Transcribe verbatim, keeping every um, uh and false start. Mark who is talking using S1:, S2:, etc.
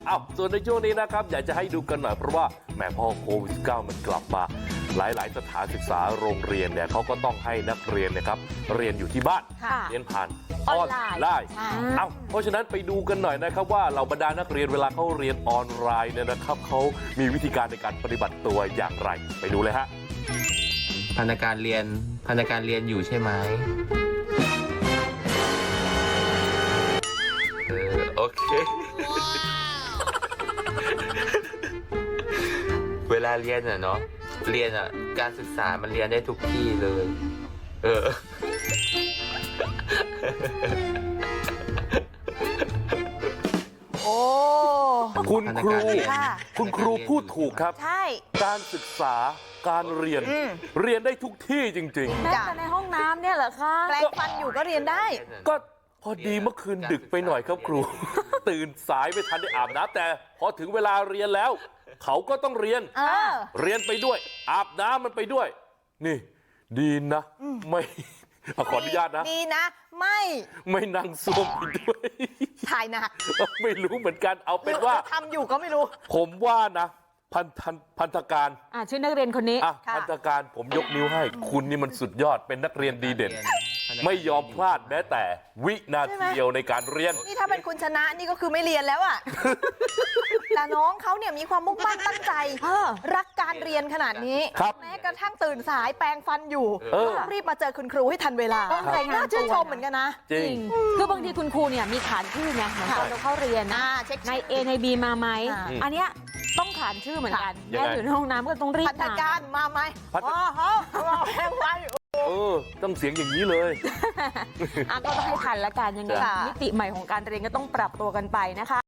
S1: อ้าวส่วนในช่วงนี้นะครับอยากจะให้ดูกันหน่อยเพราะว่าแหมพอโควิด สิบเก้า มันกลับมาหลายๆสถานศึกษาโรงเรียนเนี่ยเขาก็ต้องให้นักเรียนนะครับเรียนอยู่ที่บ้านเรียนผ่านออนไลน์เอ้าเพราะฉะนั้นไปดูกันหน่อยนะครับว่าเหล่าบรรดานักเรียนเวลาเขาเรียนออนไลน์เนี่ยนะครับเขามีวิธีการในการปฏิบัติตัวอย่างไรไปดูเลยฮะ
S2: พนักงานเรียนพนักงานเรียนอยู่ใช่ไหมเออโอเค เวลาเรียนอ่ะเนาะเรียนอ่ะการศึกษามันเรียนได้ทุกที่เลย เออ
S3: โอ้
S1: คุณครูคุณครูพูดถูกครับ
S3: ใช่
S1: การศึกษาการเรียนเรียนได้ทุกที่จริงๆ
S4: แม้แต่ในห้องน้ำเนี่ยเหรอคะ
S3: แปลงฟันอยู่ก็เรียนได้
S1: ก็พอดีเมื่อคืนดึกไปหน่อยครับครู ตื่นสายไม่ทันได้อาบน้ำแต่พอถึงเวลาเรียนแล้ว เขาก็ต้องเรียน
S3: เออ
S1: เรียนไปด้วย อาบน้ำมันไปด้วย นี่ ดีนะไม่อ่ะขออนุญาตนะ
S3: ดีนะ ไม่
S1: ไม่นั่งซ่วมไปด้วย
S3: ถ่ายหนัก
S1: ไม่รู้เหมือนกันเอาเป็นว่า
S3: ทำอยู่ก็ไม่รู้
S1: ผมว่านะ พันธพันธการ
S4: อ่ะชื่อนักเรียนคนนี้
S1: อ่ะ
S3: ค่ะ
S1: พันธการผมยกนิ้วให้ คุณนี่มันสุดยอดเป็นนักเรียนดีเด่น ไม่ยอมพลาดแม้แต่วินาทีเดียวในการเรียน
S3: นี่ถ้าเป็นคุณชนะนี่ก็คือไม่เรียนแล้วอ่ะ แต่น้องเขาเนี่ยมีความมุ่งมั่นตั้งใจ
S4: เออ
S3: รักการเรียนขนาดนี้
S1: ครับ
S3: แม้กระทั่งตื่นสายแปรงฟันอยู่
S1: เออ
S3: ต้องรีบมาเจอคุณครูให้ทันเวลา
S4: ต้องรายงาน
S3: น่าชื่นชม
S4: ตัวนะ
S3: เหมือนกันนะ
S1: จริง
S4: คือบางทีคุณครูเนี่ยมีขานชื่อไงเหมือนตอนเราเข้าเรียนนะ
S3: อ่าเช็ค
S4: ใน
S3: ชื่อ
S4: A ใน B มาไหม
S3: อ่า
S4: อันเนี้ยต้องขานชื่อเหมือนกัน
S1: ยังไง
S4: แม่อยู่ในห้องน้ำก็ต้องรีบ
S3: พันธการมาไหม
S1: พัฒ
S3: อ๋อฮะรอแปรงฟันอยู่
S1: เออ ต้องเสียงอย่างนี้เลย
S4: อ่ะก็ต้องให้ทันละกันยังไง
S3: ค่ะ
S4: มิติใหม่ของการเรียนก็ต้องปรับตัวกันไปนะคะ